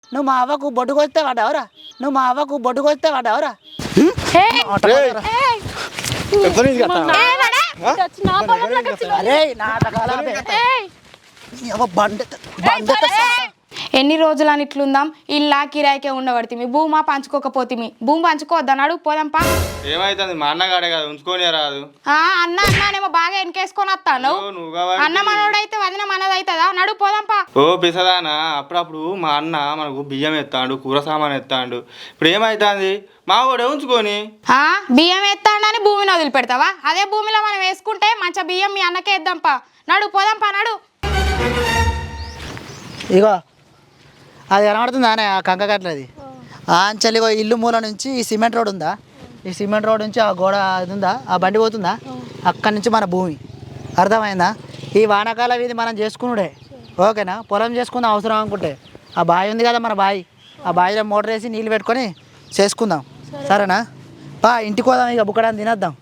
నువ్వు మా అవ్వకు బొడ్డు కొస్తే వాడవరా ఎన్ని రోజులు అని ఇట్లుందాం ఇల్లా కిరాయికే ఉండబడితే మీ భూమా పంచుకోకపోతే మీ భూమి పంచుకోవద్దని అడుగు పోదాంపా. ఏమైతుంది మా అన్నగాడే కదా ఉంచుకొని రాదు. అన్న అన్నానేమో బాగా వెనకేసుకొని వస్తాను. అన్న మనోడైతే వదిన మనదైతుందా నడుగు పోదాంపా. ఓ పిసదానా అప్పుడప్పుడు మా అన్న మనకు బియ్యం ఎత్తాడు కూర సామాన్ ఎత్తాడు. ఇప్పుడు ఏమైతుంది మా కూడా ఉంచుకొని బియ్యం ఎత్తాడని భూమిని వదిలిపెడతావా? అదే భూమిలో మనం వేసుకుంటే మంచి బియ్యం మీ అన్నకే ఇద్దాంపా. నడుగు పోదాంపా నడు. ఇగో అది కనబడుతుందా ఆ కంకగట్లది అంచెలిగో ఇల్లు మూల నుంచి ఈ సిమెంట్ రోడ్ ఉందా, ఈ సిమెంట్ రోడ్ నుంచి ఆ గోడ అది ఉందా, ఆ బండి పోతుందా, అక్కడి నుంచి మన భూమి. అర్థమైందా? ఈ వానాకాల వీధి మనం చేసుకున్నాడే ఓకేనా. పొలం చేసుకుందాం అవసరం అనుకుంటే ఆ బావి ఉంది కదా మన బావి, ఆ బావిలో మోటార్ వేసి నీళ్ళు పెట్టుకొని చేసుకుందాం సరేనా. ఇంటికి పోదాం ఇక బుక్కడానికి తినేద్దాం.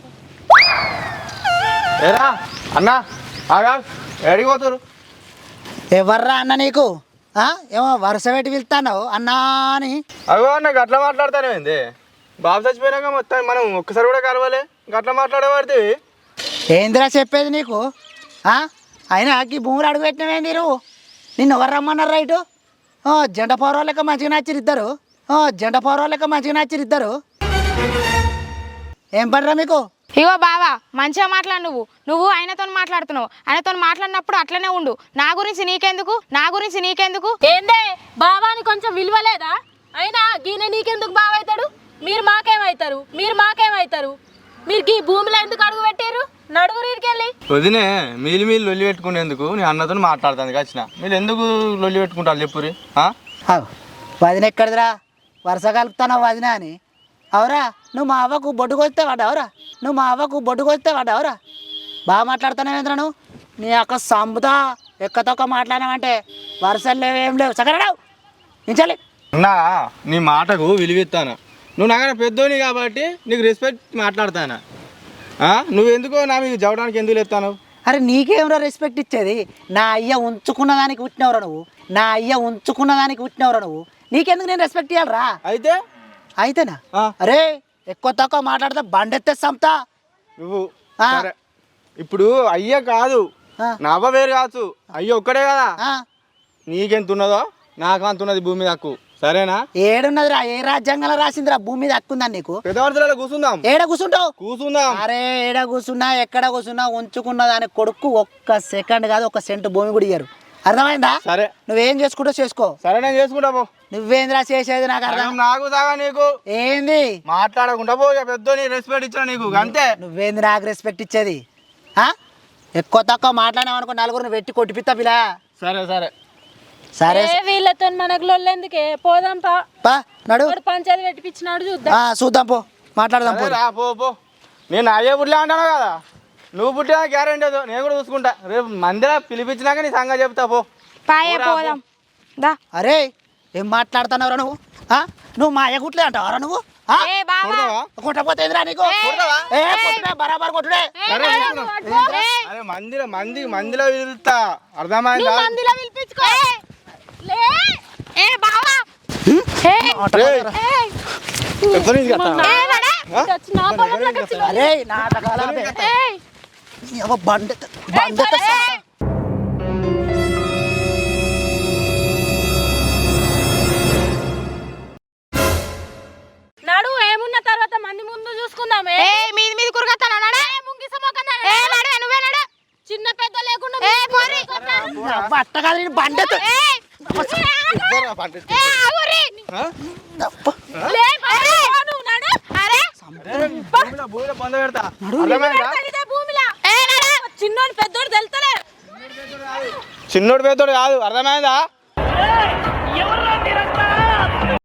ఏరా అన్న ఎడిపోతారు ఎవర్రా అన్న నీకు ఏమో వరుస పెట్టి వెళ్తాన్నావు అన్నా అని. అగో అన్న గట్లా మాట్లాడతానేంది? బాబు చచ్చిపోయినాక మొత్తం మనం ఒక్కసారి కూడా కలవాలి గట్లా మాట్లాడేవాడితే ఏందిరా చెప్పేది నీకు? అయినా ఈ భూములు అడుగు పెట్టినవేంది నువ్వు? నిన్ను ఎవరు రమ్మన్నారు రైటు? జెండ పౌరవ లెక్క మంచిగా నచ్చిరిద్దరు. ఏం పడరా మీకు? ఇగో బావా మంచిగా మాట్లాడు. నువ్వు ఆయనతో మాట్లాడుతున్నావు. ఆయనతో మాట్లాడినప్పుడు అట్లనే ఉండు. నా గురించి నీకెందుకు? ఏందే బావాని కొంచెం విలువ లేదా? అయినా గీన నీకెందుకు బావైతాడు? మీరు మాకేమైతారు? మీరు ఈ భూమిలో ఎందుకు అడుగు పెట్టారు? నడుగురు ఇరికెళ్ళి వదినే మీరు లొల్లి పెట్టుకునేందుకు నీ అన్నతో మాట్లాడుతుంది వచ్చిన. మీరు ఎందుకు లొల్లి పెట్టుకుంటారు చెప్పురి? వదిన ఎక్కడిదిరా వరుస కలుపుతానో వదిన అని? అవురా నువ్వు మా అవ్వకు బొడ్డు కొస్తే వాడవరా? బాగా మాట్లాడుతున్నావేంద్రా నువ్వు? నీ అక్క సంబుతా ఎక్కతొక్క మాట్లాడామంటే వరుసలు లేవేం లేవు సగరావు నించాలి. అన్నా నీ మాటకు విలువిస్తాను. నువ్వు నాకన్నా పెద్దోని కాబట్టి నీకు రెస్పెక్ట్ మాట్లాడతానా. నువ్వెందుకో నా మీకు చదవడానికి ఎందుకు లేస్తాను? అరే నీకేమరా రెస్పెక్ట్ ఇచ్చేది? నా అయ్య ఉంచుకున్న దానికి పుట్టినవరా నువ్వు? నీకెందుకు నేను రెస్పెక్ట్ ఇవ్వాలరా? అయితేనా? అరే ఎక్కువ తక్కువ మాట్లాడితే బండెత్తే సంతా నువ్వు. ఇప్పుడు అయ్య కాదు నా అవ్వ వేరు కావచ్చు, అయ్య ఒక్కడే కదా. నీకెంత ఉన్నదో నాకు అంత ఉన్నది భూమి హక్కు సరేనా? ఏడున్నదిరా? ఏ రాజ్యాంగంలో రాసిందిరా భూమి మీద హక్కు ఉందని నీకు? పెద్దవాళ్ళ కూర్చుందాం. ఏడ కూర్చుంటావు? కూర్చుందాం. అరే ఏడ కూర్చున్నా ఎక్కడ కూర్చున్నా ఉంచుకున్న దాని కొడుకు ఒక్క సెకండ్ కాదు ఒక సెంటు భూమి కూడా ఇయ్యరు. అర్థమైందా? సరే నువ్వేం చేసుకుంటో చేసుకో. సరే నేను చేసుకుంటా పో. నువ్వేంద్రా చేసేది? నాకు అర్థం. నాకు సాగా నీకు ఏంది మాట్లాడకుండా పో. పెద్ద రెస్పెక్ట్ ఇచ్చా నీకు అంతే. నువ్వేంది నాకు రెస్పెక్ట్ ఇచ్చేది? ఎక్కువ తక్కువ మాట్లాడావు అనుకో నలుగురిని పెట్టి కొట్టిపిస్తా పిలా. సరే వీళ్ళతో మనకు లొల్లెందుకే? పోదాంపా నడు. పంచాయతీ పెట్టిపించినాడు చూద్దాం పో మాట్లాడదాం పో. నేను అయ్యే పుట్టినా అంటాను కదా, నువ్వు పుట్టినా గ్యారెంటీ లేదు. నేను కూడా చూసుకుంటా. రేపు మందిరా పిలిపించినాక నీ సంగతి చెప్తా పో. పోదాం. అరే ఏం మాట్లాడుతున్నావురా నువ్వు? నువ్వు మా అయ్య గుట్లే అంటావరా నువ్వు? కొట్టపోతే నీకు బరాబర్ కొట్టుడే. మందిలో పిలుస్తా అర్థమైందా? అరే నాటకాల బండ నడు. ఏమున్న తర్వాత మంది ముందు చూసుకుందామే. మీది కురగతానా? చిన్న పెద్ద లేకుండా అట్ట కాదు బండతో చిన్నోడు పెద్దోడు తెలుతలే. చిన్నోడు పెద్దోడు కాదు అర్థమైందా?